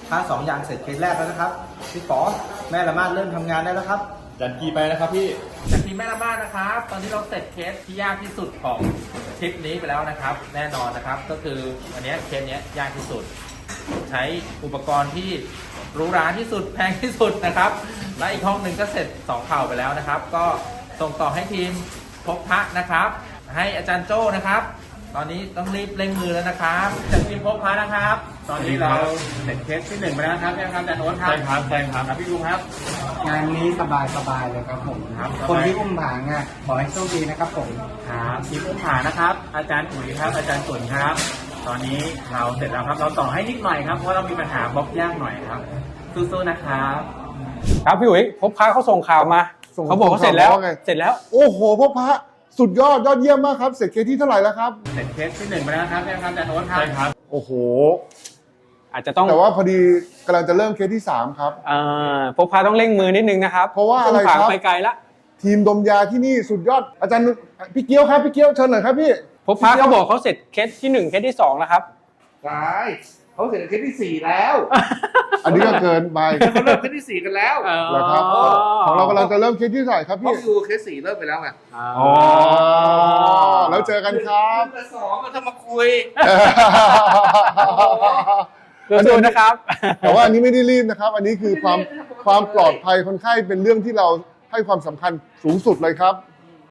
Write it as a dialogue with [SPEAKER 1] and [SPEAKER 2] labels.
[SPEAKER 1] ถ้า2อย่างเสร็จเคสแรกแล้วนะครับพี่ป๋อแม่ละมาดเริ่มทำงานได้แล้วครับ
[SPEAKER 2] จันกีไปนะครับพี่
[SPEAKER 3] จากทีมแม่ละมาดนะครับตอนนี้เราเสร็จเคสที่ยากที่สุดของทริปนี้ไปแล้วนะครับแน่นอนนะครับก็คืออันนี้เคสนี้ยากที่สุดใช้อุปกรณ์ที่หรูหราที่สุดแพงที่สุดนะครับและอีกห้องหนึ่งก็เสร็จ2เข่าไปแล้วนะครับก็ส่งต่อให้ทีมพบพระนะครับให้อาจารย์โจ้นะครับตอนนี้ต้องรีบเร่งมือแล้วนะครับจากทีมพบพระนะครับตอนนี้เราเสร็จเคสที่1ไปแล้วครับยังครับแต่โน้ตครับ
[SPEAKER 2] ใช่ครับใช่ครับ
[SPEAKER 3] พี่ลุงครับ
[SPEAKER 4] งานนี้สบายเลยครับผม
[SPEAKER 3] ครับ
[SPEAKER 4] คนที่อุ้มผางอ่ะขอให้โชคดีนะครับผม
[SPEAKER 3] ครับทีมอุ้มผานะครับอาจารย์อุ๋ยครับอาจารย์ตุ่นครับตอนนี้เราเสร็จแล้วครับเราต่อให้นิดหน่อยครับเพราะเรามีปัญหาบล็อกยากหน่อยครับสู้ๆนะครับ
[SPEAKER 5] ครับพี่อุ๋ยพบพระเขาส่งข่าวมาเขาบอกว่าเสร็จแล้วเสร็จแล้ว
[SPEAKER 6] โอ้โหพ่อพระสุดยอดเยี่ยมมากครับเสร็จเคสที่เท่าไหร่แล้วครับ
[SPEAKER 3] เสร็จเคสที่1ไปแล้วครับยังครับแต่โน้ตครับ
[SPEAKER 2] ใช่ครับ
[SPEAKER 6] โอ้โห
[SPEAKER 5] อาจจะต้อง
[SPEAKER 6] แต่ว่าพอดีกำลังจะเริ่มเคสที่3ครับ
[SPEAKER 5] พบพระต้องเร่งมือนิดนึงนะครับ
[SPEAKER 6] เพราะว่าอะไรครับ
[SPEAKER 5] ไปไกลละ
[SPEAKER 6] ทีมดมยาที่นี่สุดยอดอาจารย์พี่เกี้ยวครับพี่เกี้ยวเชิญหน่อยครับพี่
[SPEAKER 5] พบพระเขาบอกเขาเสร็จเคสที่1เคสที่2แล้วครับ
[SPEAKER 3] ใช่เขาเสร็จเคสที่4แล้ว
[SPEAKER 6] อันนี้ก็เกินไป
[SPEAKER 3] เขาเริ่มเคสที่4กันแล้ว
[SPEAKER 6] เหรอครับของเรากำลังจะเริ่มเคสที่เท่าไหร่ครับ
[SPEAKER 3] เพราะ
[SPEAKER 6] พี่
[SPEAKER 3] อยู่เคส4เริ่มไปแล้วไง
[SPEAKER 6] อ๋อแล้วเจอกันครับ
[SPEAKER 3] แต่2มันทำมาคุย
[SPEAKER 5] สู้ๆนะครับ
[SPEAKER 6] แต่ว่าอันนี้ไม่ได้รีบนะครับ อันนี้คือความปลอดภัยคนไข้เป็นเรื่องที่เราให้ความสำคัญสูงสุดเลยครับ